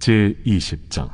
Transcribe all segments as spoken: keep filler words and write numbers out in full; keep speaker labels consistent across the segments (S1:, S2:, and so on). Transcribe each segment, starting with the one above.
S1: 제이십 장.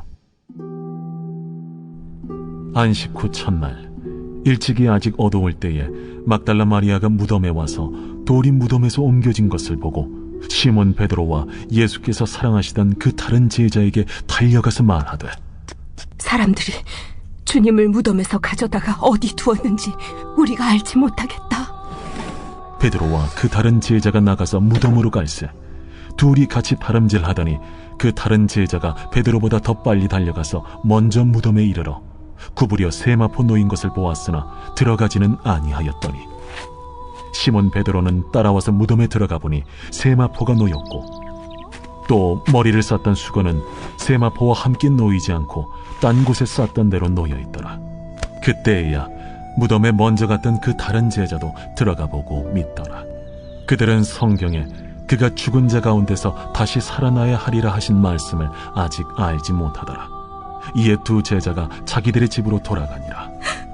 S1: 안식 후 첫날 일찍이 아직 어두울 때에 막달라 마리아가 무덤에 와서 돌이 무덤에서 옮겨진 것을 보고 시몬 베드로와 예수께서 사랑하시던 그 다른 제자에게 달려가서 말하되,
S2: 사람들이 주님을 무덤에서 가져다가 어디 두었는지 우리가 알지 못하겠다.
S1: 베드로와 그 다른 제자가 나가서 무덤으로 갈새 둘이 같이 다름질하더니 그 다른 제자가 베드로보다 더 빨리 달려가서 먼저 무덤에 이르러 구부려 세마포 놓인 것을 보았으나 들어가지는 아니하였더니 시몬 베드로는 따라와서 무덤에 들어가 보니 세마포가 놓였고 또 머리를 쌌던 수건은 세마포와 함께 놓이지 않고 딴 곳에 쌌던 대로 놓여있더라. 그때에야 무덤에 먼저 갔던 그 다른 제자도 들어가 보고 믿더라. 그들은 성경에 그가 죽은 자 가운데서 다시 살아나야 하리라 하신 말씀을 아직 알지 못하더라. 이에 두 제자가 자기들의 집으로 돌아가니라.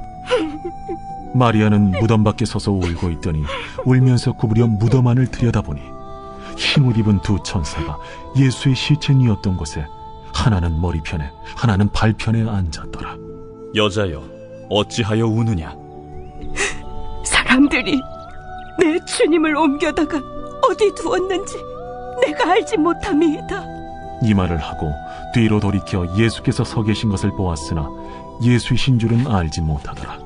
S1: 마리아는 무덤 밖에 서서 울고 있더니 울면서 구부려 무덤 안을 들여다보니 흰옷 입은 두 천사가 예수의 시체니었던 곳에 하나는 머리편에 하나는 발편에 앉았더라.
S3: 여자여, 어찌하여 우느냐?
S2: 사람들이 내 주님을 옮겨다가 어디 두었는지 내가 알지 못함이다.
S1: 이 말을 하고 뒤로 돌이켜 예수께서 서 계신 것을 보았으나 예수이신 줄은 알지 못하더라.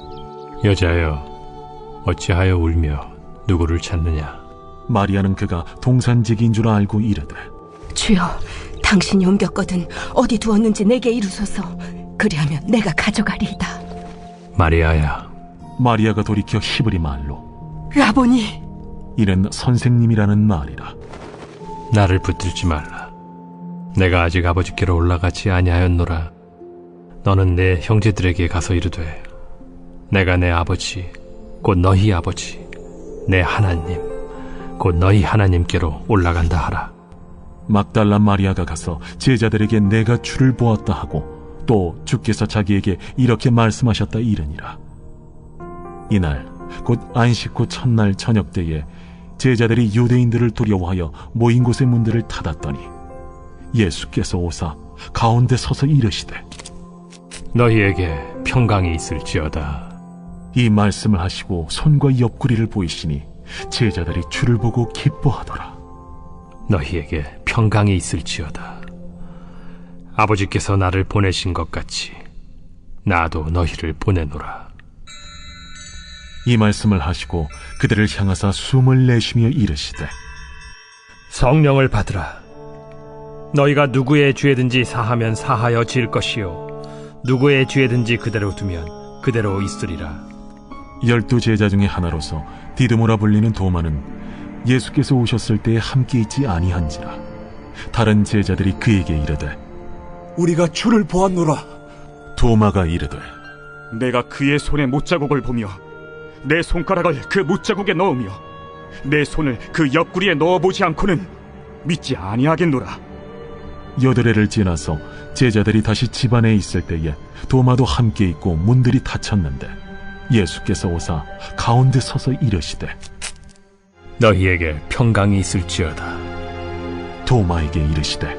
S4: 여자여, 어찌하여 울며 누구를 찾느냐?
S1: 마리아는 그가 동산지기인 줄 알고 이르되,
S2: 주여, 당신이 옮겼거든 어디 두었는지 내게 이루소서. 그리하면 내가 가져가리이다.
S4: 마리아야.
S1: 마리아가 돌이켜 히브리 말로
S2: 라보니,
S1: 이는 선생님이라는 말이라.
S4: 나를 붙들지 말라. 내가 아직 아버지께로 올라가지 아니하였노라. 너는 내 형제들에게 가서 이르되, 내가 내 아버지 곧 너희 아버지 내 하나님 곧 너희 하나님께로 올라간다 하라.
S1: 막달라 마리아가 가서 제자들에게 내가 주를 보았다 하고 또 주께서 자기에게 이렇게 말씀하셨다 이르니라. 이날 곧 안식 후 첫날 저녁 때에 제자들이 유대인들을 두려워하여 모인 곳의 문들을 닫았더니 예수께서 오사 가운데 서서 이르시되,
S4: 너희에게 평강이 있을지어다.
S1: 이 말씀을 하시고 손과 옆구리를 보이시니 제자들이 주를 보고 기뻐하더라.
S4: 너희에게 평강이 있을지어다. 아버지께서 나를 보내신 것 같이 나도 너희를 보내노라.
S1: 이 말씀을 하시고 그들을 향하사 숨을 내쉬며 이르시되,
S4: 성령을 받으라. 너희가 누구의 죄든지 사하면 사하여 질 것이요 누구의 죄든지 그대로 두면 그대로 있으리라.
S1: 열두 제자 중에 하나로서 디드모라 불리는 도마는 예수께서 오셨을 때에 함께 있지 아니한지라. 다른 제자들이 그에게 이르되,
S5: 우리가 주를 보았노라.
S1: 도마가 이르되,
S6: 내가 그의 손에 못자국을 보며 내 손가락을 그 못자국에 넣으며 내 손을 그 옆구리에 넣어보지 않고는 믿지 아니하겠노라.
S1: 여드레를 지나서 제자들이 다시 집 안에 있을 때에 도마도 함께 있고 문들이 닫혔는데 예수께서 오사 가운데 서서 이르시되,
S4: 너희에게 평강이 있을지어다.
S1: 도마에게 이르시되,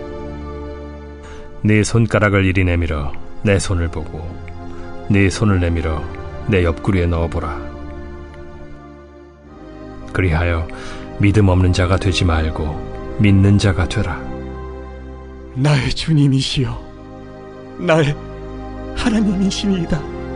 S4: 네 손가락을 이리 내밀어 내 손을 보고 네 손을 내밀어 내 옆구리에 넣어보라. 그리하여 믿음 없는 자가 되지 말고 믿는 자가 되라.
S5: 나의 주님이시여, 나의 하나님이시니이다.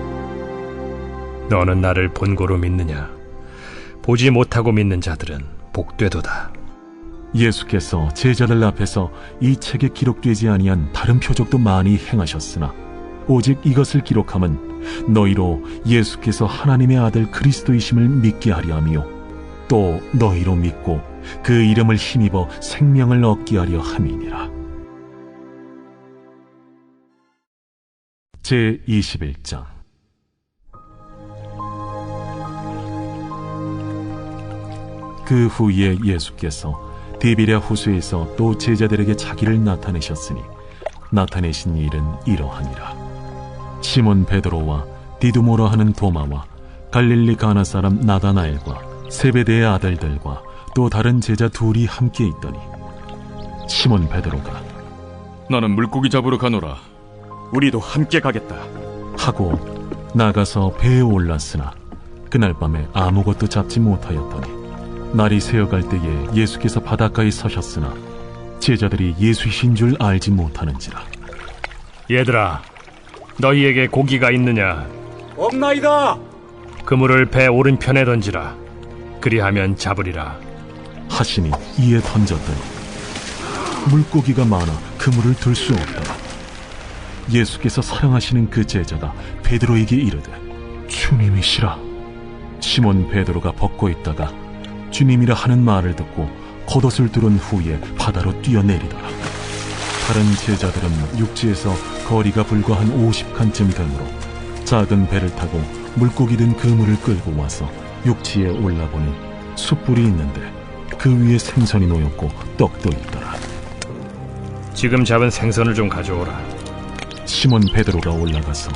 S4: 너는 나를 본고로 믿느냐? 보지 못하고 믿는 자들은 복되도다.
S1: 예수께서 제자들 앞에서 이 책에 기록되지 아니한 다른 표적도 많이 행하셨으나 오직 이것을 기록함은 너희로 예수께서 하나님의 아들 그리스도이심을 믿게 하려 함이요 또 너희로 믿고 그 이름을 힘입어 생명을 얻게 하려 함이니라. 제이십일 장. 그 후에 예수께서 디비랴 호수에서 또 제자들에게 자기를 나타내셨으니 나타내신 일은 이러하니라. 시몬 베드로와 디두모라 하는 도마와 갈릴리 가나 사람 나다나엘과 세베대의 아들들과 또 다른 제자 둘이 함께 있더니 시몬 베드로가
S3: 나는 물고기 잡으러 가노라.
S6: 우리도 함께 가겠다.
S1: 하고 나가서 배에 올랐으나 그날 밤에 아무것도 잡지 못하였더니 날이 새어갈 때에 예수께서 바닷가에 서셨으나 제자들이 예수이신 줄 알지 못하는지라.
S4: 얘들아, 너희에게 고기가 있느냐?
S5: 없나이다.
S4: 그물을 배 오른편에 던지라. 그리하면 잡으리라.
S1: 하시니 이에 던졌더니 물고기가 많아 그물을 들 수 없더라. 예수께서 사랑하시는 그 제자가 베드로에게 이르되 주님이시라. 시몬 베드로가 벗고 있다가 주님이라 하는 말을 듣고 겉옷을 두른 후에 바다로 뛰어내리더라. 다른 제자들은 육지에서 거리가 불과 한 오십 칸쯤 되므로 작은 배를 타고 물고기 든 그물을 끌고 와서 육지에 올라보니 숯불이 있는데 그 위에 생선이 놓였고 떡도 있더라.
S4: 지금 잡은 생선을 좀 가져오라.
S1: 시몬 베드로가 올라가서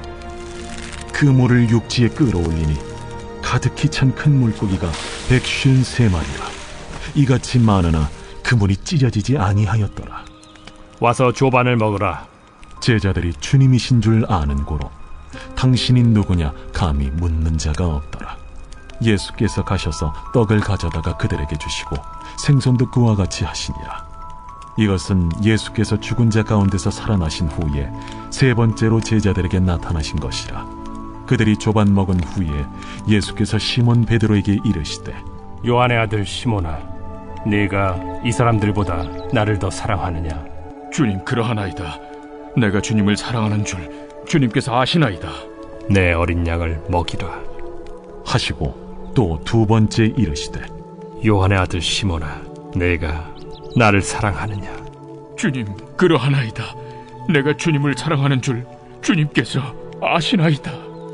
S1: 그물을 육지에 끌어올리니 가득히 찬 큰 물고기가 백쉰세 마리라. 이같이 많으나 그물이 찢어지지 아니하였더라.
S4: 와서 조반을 먹으라.
S1: 제자들이 주님이신 줄 아는 고로 당신이 누구냐 감히 묻는 자가 없더라. 예수께서 가셔서 떡을 가져다가 그들에게 주시고 생선도 그와 같이 하시니라. 이것은 예수께서 죽은 자 가운데서 살아나신 후에 세 번째로 제자들에게 나타나신 것이라. 그들이 조반 먹은 후에 예수께서 시몬 베드로에게 이르시되
S4: 요한의 아들 시몬아, 네가 이 사람들보다 나를 더 사랑하느냐?
S3: 주님, 그러하나이다. 내가 주님을 사랑하는 줄 주님께서 아시나이다.
S4: 내 어린 양을 먹이라.
S1: 하시고 또 두 번째 이르시되
S4: 요한의 아들 시몬아, 네가 나를 사랑하느냐?
S3: 주님, 그러하나이다. 내가 주님을 사랑하는 줄 주님께서 아시나이다.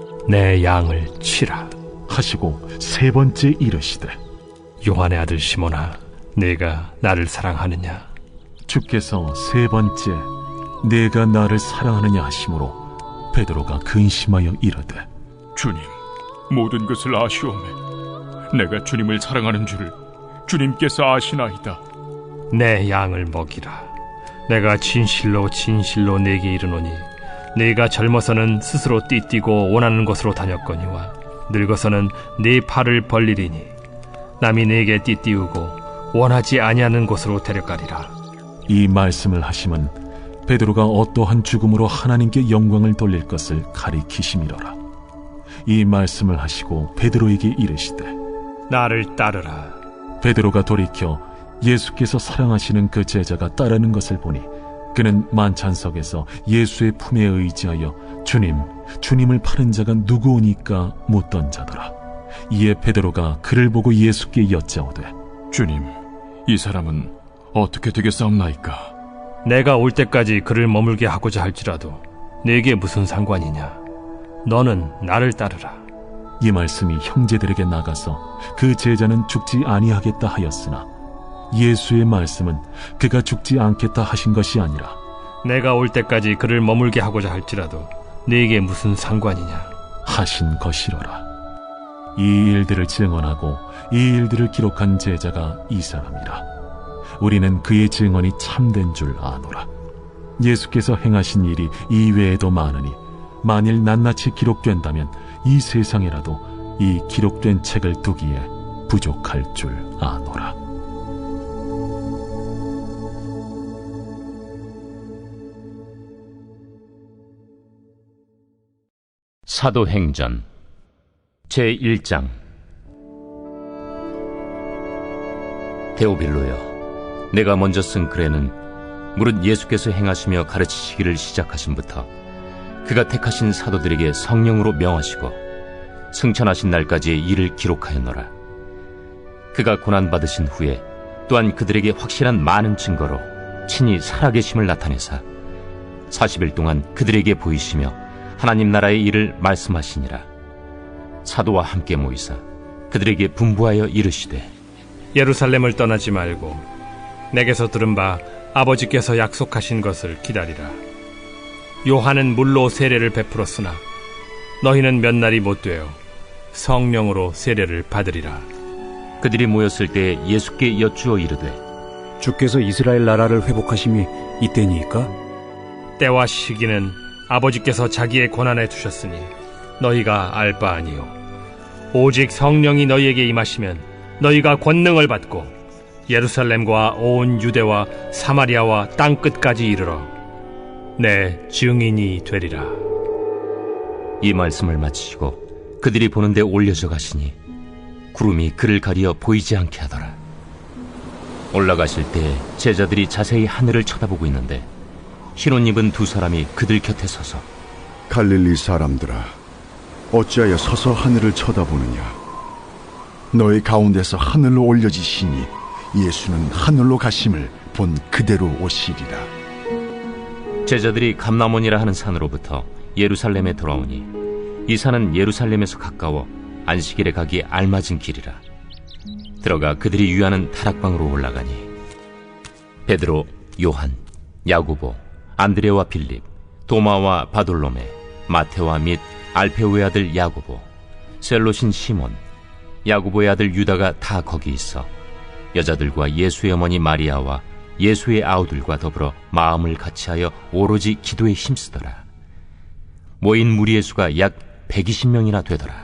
S4: 내 양을 치라.
S1: 하시고 세 번째 이르시되
S4: 요한의 아들 시몬아, 네가 나를 사랑하느냐?
S1: 주께서 세 번째 내가 나를 사랑하느냐 하심으로 베드로가 근심하여 이르되
S3: 주님, 모든 것을 아시오매. 내가 주님을 사랑하는 줄 주님께서 아시나이다.
S4: 내 양을 먹이라. 내가 진실로 진실로 네게 이르노니 네가 젊어서는 스스로 띠뛰고 원하는 곳으로 다녔거니와 늙어서는 네 팔을 벌리리니 남이 네게 띠띠우고 원하지 아니하는 곳으로 데려가리라.
S1: 이 말씀을 하심은 베드로가 어떠한 죽음으로 하나님께 영광을 돌릴 것을 가리키심이로라. 이 말씀을 하시고 베드로에게 이르시되
S4: 나를 따르라.
S1: 베드로가 돌이켜 예수께서 사랑하시는 그 제자가 따르는 것을 보니 그는 만찬석에서 예수의 품에 의지하여 주님, 주님을 파는 자가 누구오니까 묻던 자더라. 이에 베드로가 그를 보고 예수께 여짜오되
S3: 주님, 이 사람은 어떻게 되겠사옵나이까?
S4: 내가 올 때까지 그를 머물게 하고자 할지라도 네게 무슨 상관이냐? 너는 나를 따르라.
S1: 이 말씀이 형제들에게 나가서 그 제자는 죽지 아니하겠다 하였으나 예수의 말씀은 그가 죽지 않겠다 하신 것이 아니라
S4: 내가 올 때까지 그를 머물게 하고자 할지라도 네게 무슨 상관이냐?
S1: 하신 것이로라. 이 일들을 증언하고 이 일들을 기록한 제자가 이 사람이라. 우리는 그의 증언이 참된 줄 아노라. 예수께서 행하신 일이 이외에도 많으니 만일 낱낱이 기록된다면 이 세상에라도 이 기록된 책을 두기에 부족할 줄 아노라.
S7: 사도행전 제일 장. 데오빌로여, 내가 먼저 쓴 글에는 무릇 예수께서 행하시며 가르치시기를 시작하심부터 그가 택하신 사도들에게 성령으로 명하시고 승천하신 날까지의 일을 기록하였노라. 그가 고난받으신 후에 또한 그들에게 확실한 많은 증거로 친히 살아계심을 나타내사 사십 일 동안 그들에게 보이시며 하나님 나라의 일을 말씀하시니라. 사도와 함께 모이사 그들에게 분부하여 이르시되
S4: 예루살렘을 떠나지 말고 내게서 들은 바 아버지께서 약속하신 것을 기다리라. 요한은 물로 세례를 베풀었으나 너희는 몇 날이 못되어 성령으로 세례를 받으리라.
S7: 그들이 모였을 때 예수께 여쭈어 이르되
S5: 주께서 이스라엘 나라를 회복하심이 이때니까?
S4: 때와 시기는 아버지께서 자기의 권한에 두셨으니 너희가 알 바 아니요 오직 성령이 너희에게 임하시면 너희가 권능을 받고 예루살렘과 온 유대와 사마리아와 땅끝까지 이르러 내 증인이 되리라.
S7: 이 말씀을 마치시고 그들이 보는데 올려져 가시니 구름이 그를 가리어 보이지 않게 하더라. 올라가실 때 제자들이 자세히 하늘을 쳐다보고 있는데 흰옷 입은 두 사람이 그들 곁에 서서
S8: 갈릴리 사람들아, 어찌하여 서서 하늘을 쳐다보느냐? 너희 가운데서 하늘로 올려지시니 예수는 하늘로 가심을 본 그대로 오시리라.
S7: 제자들이 감람원이라 하는 산으로부터 예루살렘에 돌아오니 이 산은 예루살렘에서 가까워 안식일에 가기 알맞은 길이라. 들어가 그들이 유하는 다락방으로 올라가니 베드로, 요한, 야고보, 안드레와 빌립, 도마와 바돌로메, 마테와 및 알페오의 아들 야고보, 셀롯인 시몬, 야고보의 아들 유다가 다 거기 있어 여자들과 예수의 어머니 마리아와 예수의 아우들과 더불어 마음을 같이하여 오로지 기도에 힘쓰더라. 모인 무리의 수가 약 백이십 명이나 되더라.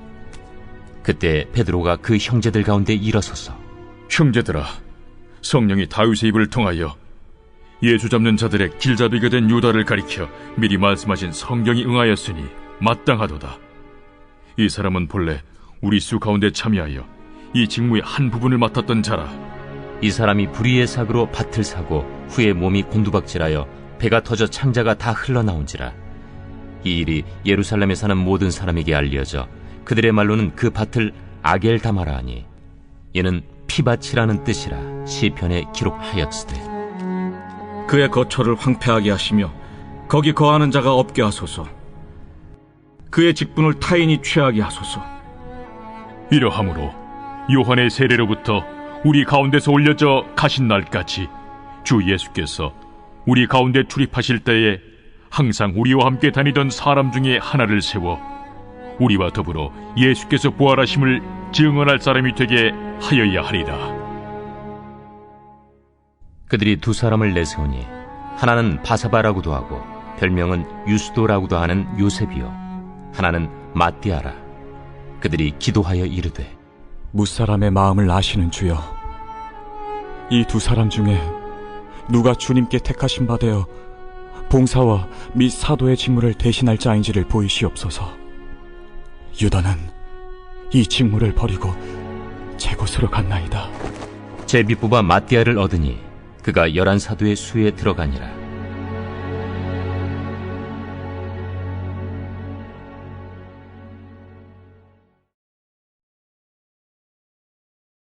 S7: 그때 베드로가 그 형제들 가운데 일어서서
S3: 형제들아, 성령이 다윗의 입을 통하여 예수 잡는 자들의 길잡이가 된 유다를 가리켜 미리 말씀하신 성경이 응하였으니 마땅하도다. 이 사람은 본래 우리 수 가운데 참여하여 이 직무의 한 부분을 맡았던 자라.
S7: 이 사람이 불의의 삭으로 밭을 사고 후에 몸이 곤두박질하여 배가 터져 창자가 다 흘러나온지라. 이 일이 예루살렘에 사는 모든 사람에게 알려져 그들의 말로는 그 밭을 아겔다마라 하니 이는 피밭이라는 뜻이라 시편에 기록하였으되
S6: 그의 거처를 황폐하게 하시며 거기 거하는 자가 없게 하소서. 그의 직분을 타인이 취하게 하소서.
S3: 이러함으로 요한의 세례로부터 우리 가운데서 올려져 가신 날까지 주 예수께서 우리 가운데 출입하실 때에 항상 우리와 함께 다니던 사람 중에 하나를 세워 우리와 더불어 예수께서 부활하심을 증언할 사람이 되게 하여야 하리라.
S7: 그들이 두 사람을 내세우니 하나는 바사바라고도 하고 별명은 유스도라고도 하는 요셉이요 하나는 마띠아라. 그들이 기도하여 이르되
S5: 무사람의 마음을 아시는 주여, 이 두 사람 중에 누가 주님께 택하신 바 되어 봉사와 및 사도의 직무를 대신할 자인지를 보이시옵소서. 유다는 이 직무를 버리고 제 곳으로 갔나이다.
S7: 제비 뽑아 마띠아를 얻으니 그가 열한 사도의 수에 들어가니라.